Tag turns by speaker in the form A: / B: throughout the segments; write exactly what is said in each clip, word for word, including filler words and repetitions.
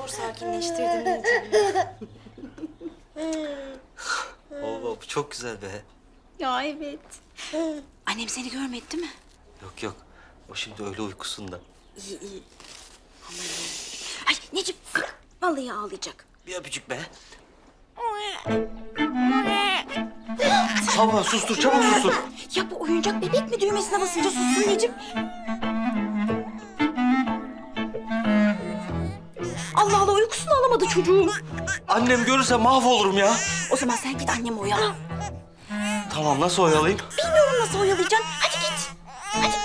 A: zor sakinleştirdim.
B: Oo, bu çok güzel be.
A: Ya evet. Annem seni görmedi değil mi?
B: Yok yok. O şimdi öyle uykusunda.
A: İyi iyi. Aman iyi. Ay Necip vallahi ağlayacak.
B: Bir öpücük be. Hava sustur, çabuk sustur.
A: Ya bu oyuncak bebek mi düğmesine basınca sussun Necip? Allah Allah uykusunu alamadı çocuğum.
B: Annem görürse mahvolurum ya.
A: O zaman sen git annemi oyala.
B: Tamam, nasıl oyalayayım?
A: Bilmiyorum nasıl oyalayacaksın. Hadi git. Hadi.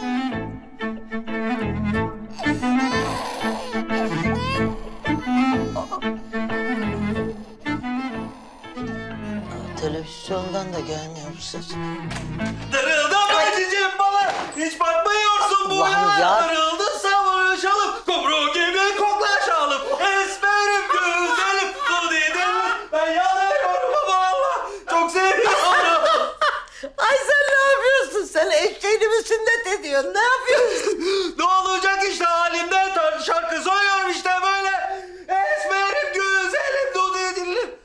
C: Televizyondan da gelmiyor bu ses.
B: Darıldım Ayşe'cim bana. Hiç bakmıyorsun bu
C: Allah'ım ya.
B: Darıldın savaşalım. Kumru gibi koklaşalım. Esmerim güzelim. Kudidim. Ben yanıyorum ama Allah. Çok seviyorum.
C: Ay sen ne yapıyorsun? Sen eşeğini mi sünnet ediyorsun? Ne yapıyorsun?
B: Ne olacak işte halimden tar- şarkı söylüyorum işte böyle. Esmerim güzelim. Kudidim.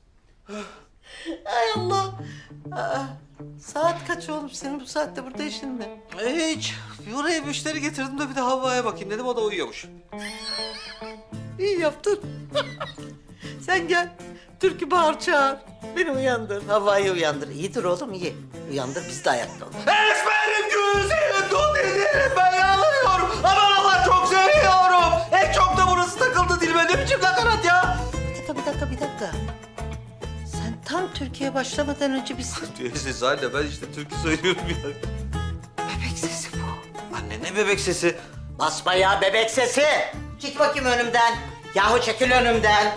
C: Ay Allah. Aa, saat kaç oğlum? Senin bu saatte burada işin ne?
B: Hiç. Buraya müşteri getirdim de bir de Havva'ya bakayım dedim. O da uyuyormuş.
C: İyi yaptın. Sen gel. Türkü bağır çağır. Beni uyandır. Havayı uyandır. İyidir oğlum iyi. Uyandır biz de ayakta olalım.
B: Esmerim güzelim. Kudidim. Ben yanıyorum. Aman Allah çok seviyorum. En çok da burası takıldı dilime. Ne biçim nakarat ya?
C: Bir dakika bir dakika bir dakika. Sen tam Türkiye'ye başlamadan önce biz...
B: Siz anne ben işte türkü söylüyorum ya.
C: Bebek sesi bu.
B: Anne ne bebek sesi?
C: Basma ya bebek sesi. Çık bakayım önümden. Yahu çekil önümden.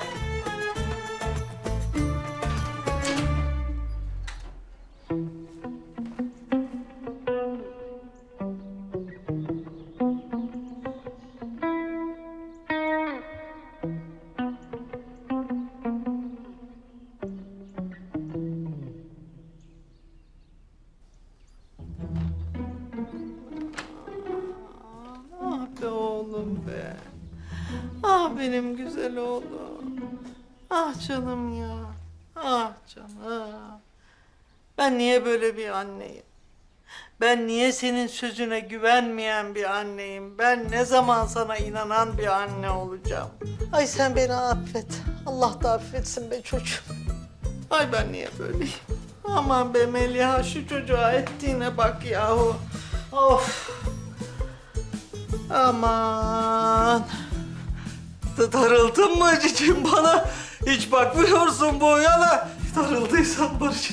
C: Ah be oğlum be. Ah benim güzel oğlum. Ah canım ya. Ah canım. Ben niye böyle bir anneyim? Ben niye senin sözüne güvenmeyen bir anneyim? Ben ne zaman sana inanan bir anne olacağım? Ay sen beni affet. Allah da affetsin be çocuğum. Ay ben niye böyleyim? Aman be Meliha şu çocuğa ettiğine bak yahu. Of. Aman.
B: Da- Darıldın mı cicim bana? Hiç bakmıyorsun bu yana. Darıldıysan barış.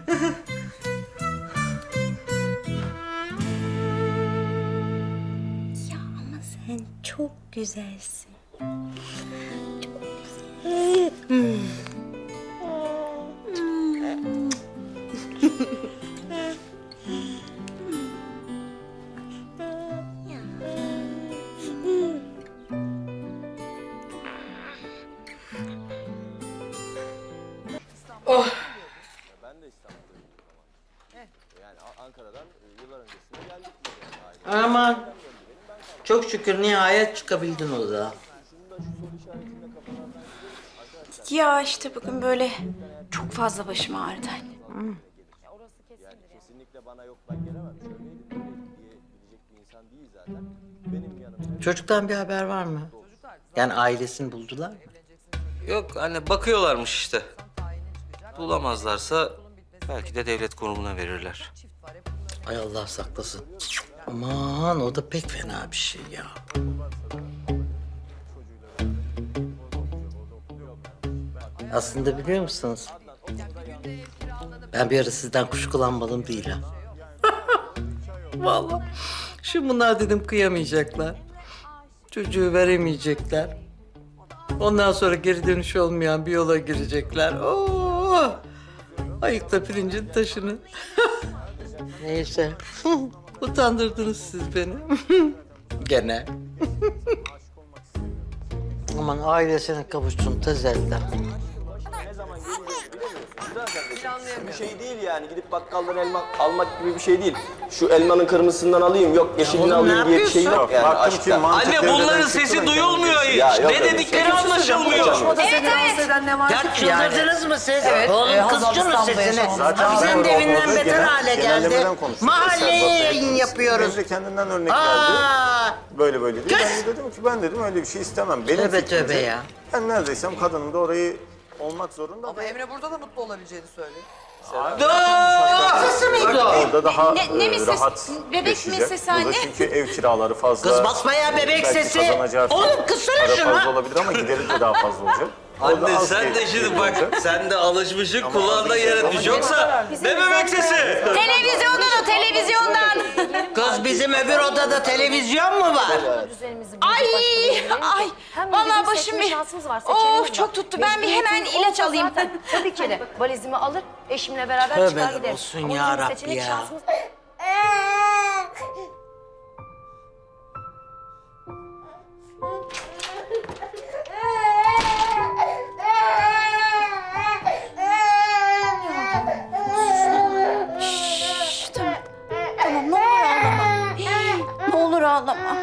A: Ya ama sen çok güzelsin. Çok güzel. Hmm.
D: Ben de İstanbul'dayım ama. Yani A- Ankara'dan e, yıllar öncesinde geldik biz yani aile.
C: Aman. Çok şükür nihayet çıkabildin o da.
D: Şunu da şu soru işaretinde kafalardan arkadaşlar
A: Ya işte bugün böyle çok fazla başım ağrıdı anne.
D: yani kesinlikle bana yok ben gelemem şöyleydim böyleydim diyebilecek bir insan değil zaten. Benim yanımda
C: Çocuktan bir haber var mı? Yani ailesini buldular mı?
B: Yok anne bakıyorlarmış işte. Bulamazlarsa belki de devlet kurumuna verirler.
C: Ay Allah saklasın. Aman o da pek fena bir şey ya. Aslında biliyor musunuz? Ben bir ara sizden kuşkulanmadım değil ha. Vallahi. Şimdi bunlar dedim kıyamayacaklar. Çocuğu veremeyecekler. Ondan sonra geri dönüş olmayan bir yola girecekler. Oo! Ayıkla pirincin taşını. Neyse. Utandırdınız siz beni. Gene. Aman ailesine kavuşsun tez elden.
D: bir şey değil yani. Gidip bakkaldan elma almak gibi bir şey değil. Şu elmanın kırmızısından alayım, yok yeşilini
C: oğlum, ne
D: alayım diye bir şey yok
C: yapıyorsun?
D: yani
E: Baktım ki
D: aşkta.
E: mantık
B: Anne
E: devreden
B: bunların
E: çıktı
B: sesi
E: da
B: duyulmuyor
E: kendisi-
B: hiç.
D: Ya yok
B: Ne
D: öyle bir
B: dedikleri
D: şey.
B: anlaşılmıyor.
A: Evet evet.
C: Ya çıldırdınız mı siz?
F: Evet,
C: Oğlum
F: e,
C: kız
F: Hazal
C: şunun
F: İstanbul'da
C: sesini.
F: yaşamamız
E: Zaten
C: Hafize'nin
E: doğru
C: de evinden
E: olmadı.
C: beter
E: Genel-
C: hale geldi.
E: genellemeden konuştuk.
C: Mahalleye
E: Mesela
C: yayın
E: Bak,
C: yapıyoruz.
E: Emre kendinden örnek verdi.
C: Aa,
E: Böyle böyle diye.
C: Kız!
E: Ben de dedim ki ben dedim öyle bir şey istemem. Benim
C: Tövbe
E: fikrimce
C: tövbe ya.
E: Ben neredeysem kadının da orayı olmak zorunda.
F: Ama Emre burada da mutlu olabileceğini söylüyor.
C: sesi miydi o?
E: Orada daha
A: Ne- ne
E: e,
A: mi ses-
E: rahat
A: bebek mi
E: yaşayacak.
A: sesi
E: Burada
A: anne?
E: çünkü ev kiraları fazla.
C: Kız basmaya bebek
E: Belki
C: sesi.
E: kazanacağı
C: Oğlum kızsana
E: para
C: şunu.
E: fazla olabilir ama gideri de daha fazla olacak. Orada
B: Anne
E: az
B: sen
E: gelir-
B: de şimdi
E: gelir
B: bak,
E: olacak.
B: sen de alışmışsın kulağında yer etmiş. Yoksa ne bebek sesi?
A: Televizyondan o televizyondan.
C: Kız bizim öbür odada televizyon mu var?
A: Ay ay. Vallahi başım bir.
G: şansımız var.
A: Oh çok tuttu. Ben bir hemen ilaç alayım.
G: Zaten tabii ki de valizimi alır, eşimle beraber
C: Tövbe
G: çıkar giderim.
C: olsun
G: Ama
C: ya
G: bizim
C: Rabbi
G: seçenek
C: ya.
G: şansımız-
A: Şşş, tamam. Tamam ne olur ağlama. Hii, Ne olur ağlama.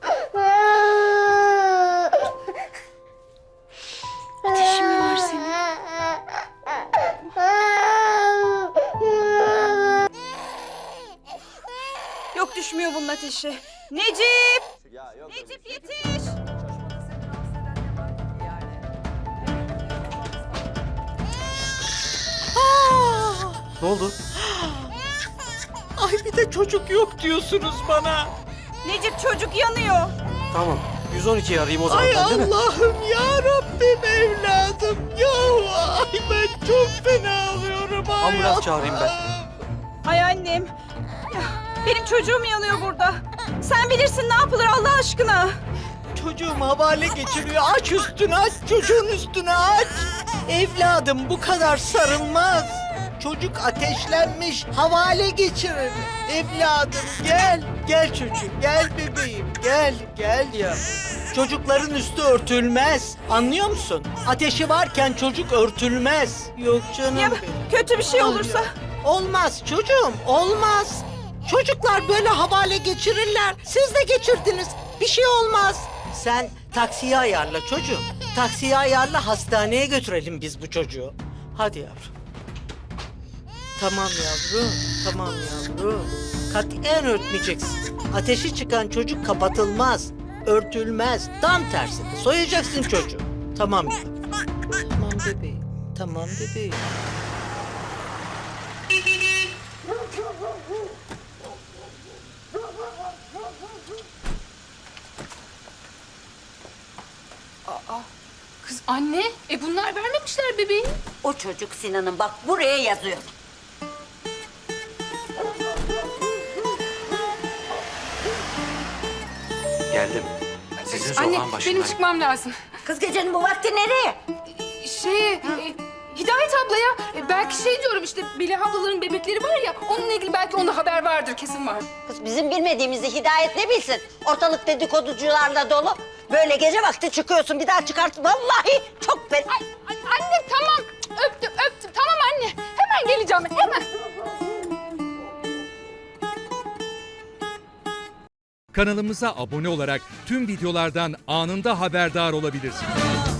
A: Ateşin mi var senin? Yok düşmüyor bunun ateşi. Necip!
D: Ya yok öyle bir
A: Necip
D: şey.
A: yetiş!
B: Ne oldu?
C: Ay bir de çocuk yok diyorsunuz bana.
A: Necip çocuk yanıyor.
B: Tamam. yüz on ikiyi arayayım o zaman
C: Ay
B: ben değil mi?
C: Allah'ım ya Rabbim evladım. Ya ay ben çok fena alıyorum. Ay
B: Ambulans çağırayım ben.
A: Ay annem. Ya, benim çocuğum yanıyor burada. Sen bilirsin ne yapılır Allah aşkına.
C: Çocuğum havale geçiriyor. Aç üstünü aç. Çocuğun üstünü aç. Evladım bu kadar sarılmaz. Çocuk ateşlenmiş. Havale geçirir. Evladım gel. Gel çocuğum. Gel bebeğim. Gel. Gel ya. Çocukların üstü örtülmez. Anlıyor musun? Ateşi varken çocuk örtülmez. Yok canım
A: Ya
C: benim.
A: kötü bir şey olursa.
C: Olmaz çocuğum, olmaz. Çocuklar böyle havale geçirirler. Siz de geçirdiniz. Bir şey olmaz. Sen taksiye ayarla çocuğum. Taksiye ayarla, hastaneye götürelim biz bu çocuğu. Hadi yavrum. Tamam yavrum, tamam yavrum. Katiyen örtmeyeceksin. Ateşi çıkan çocuk kapatılmaz, örtülmez. Tam tersine soyacaksın çocuğu. Tamam yavrum. Tamam bebeğim, tamam bebeğim.
H: Kız anne, e bunlar vermemişler bebeği.
I: O çocuk Sinan'ın bak buraya yazıyor.
B: Geldim. Sizin
H: Anne,
B: sokağın
H: benim
B: başındayım.
H: çıkmam lazım.
I: Kız gecenin bu vakti nereye?
H: Şey, e, Hidayet ablaya e, belki şey diyorum işte Melih ablaların bebekleri var ya, onunla ilgili belki onda haber vardır, kesin var.
I: Kız bizim bilmediğimizi Hidayet ne bilsin? Ortalık dedikoducularla dolu. Böyle gece vakti çıkıyorsun bir daha çıkart. Vallahi çok fena.
H: Ay, ay, anne tamam, öptüm öptüm, tamam anne. Hemen geleceğim, hemen.
J: Kanalımıza abone olarak tüm videolardan anında haberdar olabilirsiniz.